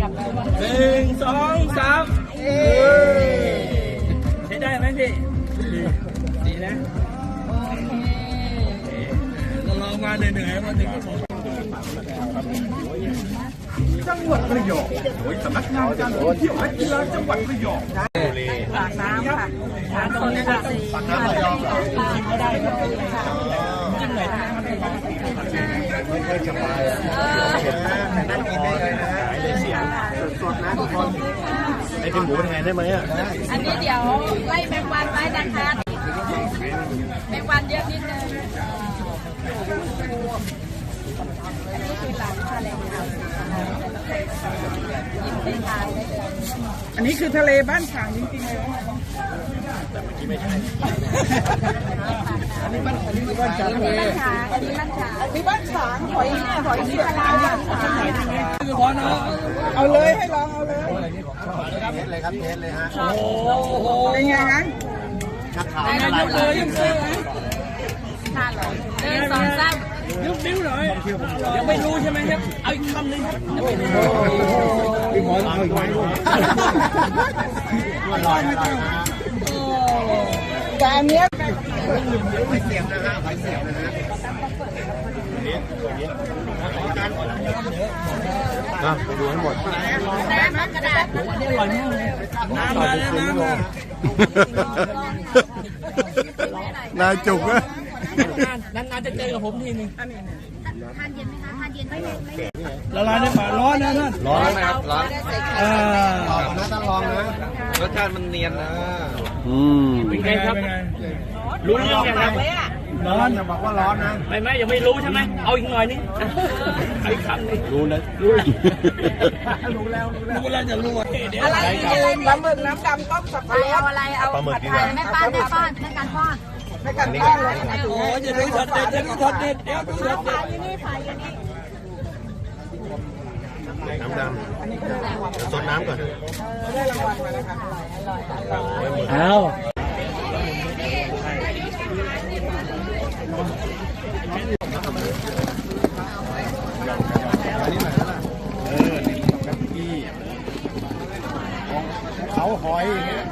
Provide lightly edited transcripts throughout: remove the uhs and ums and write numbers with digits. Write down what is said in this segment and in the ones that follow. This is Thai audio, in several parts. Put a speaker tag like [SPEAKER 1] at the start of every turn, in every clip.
[SPEAKER 1] 1 2 3ใช้ได้ไหมพี่ดีนะโอเคเราลองมาเหนื่อยๆวันหนึ่งก็พอ
[SPEAKER 2] จังหวัดระยองโดยสำนักงานการท่องเที่ยวและกีฬาจังหวัดระยอง
[SPEAKER 3] ปากน้ำค่ะตรงนี้ค่ะ
[SPEAKER 2] ปากน้ำระยอง
[SPEAKER 1] ชิมก็ได้ครับจิ้มหน่อย
[SPEAKER 2] ไม่ค่อยสบายนั่งกินได้เลยนะเสียงสดๆนะทุกคนไอ้กินหมูแทนได้ไหมอ่ะ
[SPEAKER 3] อันนี้เดี๋ยวไล่แมงวันไว้นะคะแมงวันเยอะนิดนึงอันนี้คือหลังทะเลกินไปทานได้เลย
[SPEAKER 4] อันนี้คือทะเลบ้านฉางจริงๆเลย
[SPEAKER 2] แต่เมื่อกี้ไม่ใช่
[SPEAKER 4] อันนี้บ้านฉางอันนี้บ้านฉาง
[SPEAKER 3] อันนี้บ้านฉาง
[SPEAKER 4] อันนี้บ้านฉางหอยที่ทะเล
[SPEAKER 1] คือพอเนาะ
[SPEAKER 4] เอาเลยให้ลองเอาเลย
[SPEAKER 2] เทสเลยครับเทสเลยฮะ
[SPEAKER 1] โอ้โห
[SPEAKER 4] เป็นไงนะ
[SPEAKER 2] ชักขาย
[SPEAKER 1] อะไรเลยยังซื้อ
[SPEAKER 3] ทานเลย1 2 3
[SPEAKER 1] ยุบนิ้วหน่อยยังไม่รู้ใช่ไหมครับเอาอีกคำหนึ่งครับ
[SPEAKER 2] พี่หมอเอาอีกไหม
[SPEAKER 4] แต่อันเนี้ย
[SPEAKER 2] ไปเสียบนะฮะไปเสียบนะฮะไปดูให้หมด
[SPEAKER 3] น้ำกระดาษ
[SPEAKER 1] นี่อร่อยมากเลยน้ำมาแล้วน้ำม
[SPEAKER 2] านายจุกนะ
[SPEAKER 1] นานๆจะเจอกับผมทีนึง
[SPEAKER 3] ทานเย็นไหมคะทานเย็นไม่
[SPEAKER 1] ละลายในปากร้อนนะท่าน
[SPEAKER 2] ร้อนนะครับร้อนต้องลองนะรสชาติมันเนียนนะ
[SPEAKER 1] เป็นไงครับรู้เรื่องยังครับ
[SPEAKER 2] ร้อนอย่าบอกว่าร้อนนะ
[SPEAKER 1] ไม่ยังไม่รู้ใช่ไหมเอาอีกหน่อยนึงไอ้คำนึง
[SPEAKER 2] รู้แล้ว
[SPEAKER 1] รู้แล้วจะรู้เดี๋ยว
[SPEAKER 4] อะไรปลาหมึกน้ำดำต้มสับปะรด
[SPEAKER 3] เอาอะไรเอาผัดไทยแม่ป้อนแม่ป้อนแม่การป้อน
[SPEAKER 4] ไม่กันป้อนเลย
[SPEAKER 1] โอ้ยจะดูช็อตเด็ดจะดูช็อตเด็ดเดี๋ยวดูช็อตเด็ด
[SPEAKER 2] น้ำดำสดน้ำก่อน
[SPEAKER 4] ได้รางวัลมาแล้วค่ะ
[SPEAKER 1] เอา
[SPEAKER 2] เขาหอย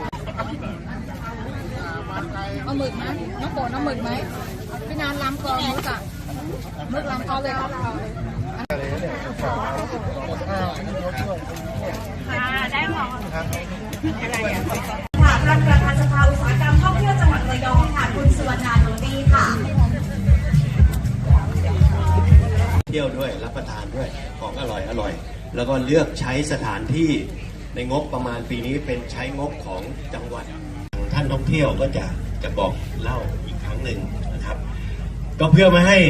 [SPEAKER 3] เอาหมึกไหมน้องโปรดเอาหมึกไหมพี่นานลำกองรู้จักมึกลำกองเลยครับได้หรออะไรอ่ะ
[SPEAKER 5] ค่ะประธานสภาอุตสาหกรรมท่องเที่ยวจังหวัดระยองค่ะคุณสุวรรณาหนูดีค่ะ
[SPEAKER 2] เที่ยวด้วยรับประทานด้วยของอร่อยแล้วก็เลือกใช้สถานที่ในงบประมาณปีนี้เป็นใช้งบของจังหวัดท่านท่องเที่ยวก็จะบอกเล่าอีกครั้งหนึ่งนะครับก็เพื่อไม่ให้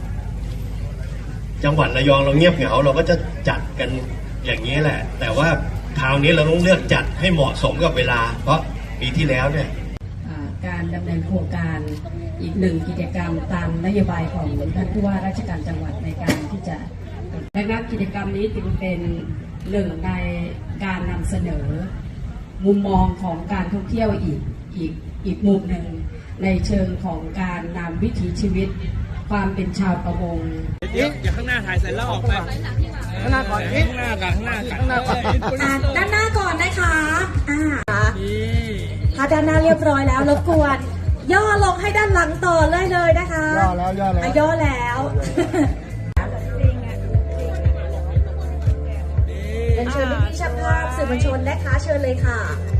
[SPEAKER 2] จังหวัดระยองเราเงียบเหงาเราก็จะจัดกันอย่างนี้แหละแต่ว่าคราวนี้เราต้องเลือกจัดให้เหมาะสมกับเวลาเพราะปีที่แล้วเนี่ย
[SPEAKER 6] การดำเนินโครงการอีกหนึ่งกิจกรรมตามนโยบายของท่านผู้ว่าราชการจังหวัดในการที่จะดังนั้นกิจกรรมนี้จึงเป็นหนึ่งในการนำเสนอมุมมองของการท่องเที่ยวอีกมุมหนึ่งในเชิงของการนำวิถีชีวิตความเป็นชาวประมง
[SPEAKER 1] อย่าข้างหน้าถ่ายเสร็จแล้วออกไปข้างหน้าก่อนข้างหน้าก่อนข้างหน้าก่อน
[SPEAKER 5] ด้านหน้าก่อนนะคะถ้าด้านหน้าเรียบร้อยแล้วรบกวนย่อลงให้ด้านหลังต่อเลยนะคะย่อแล้วเชิญพี่ช่างภาพสื่อมวลชนนะคะเชิญเลยค่ะ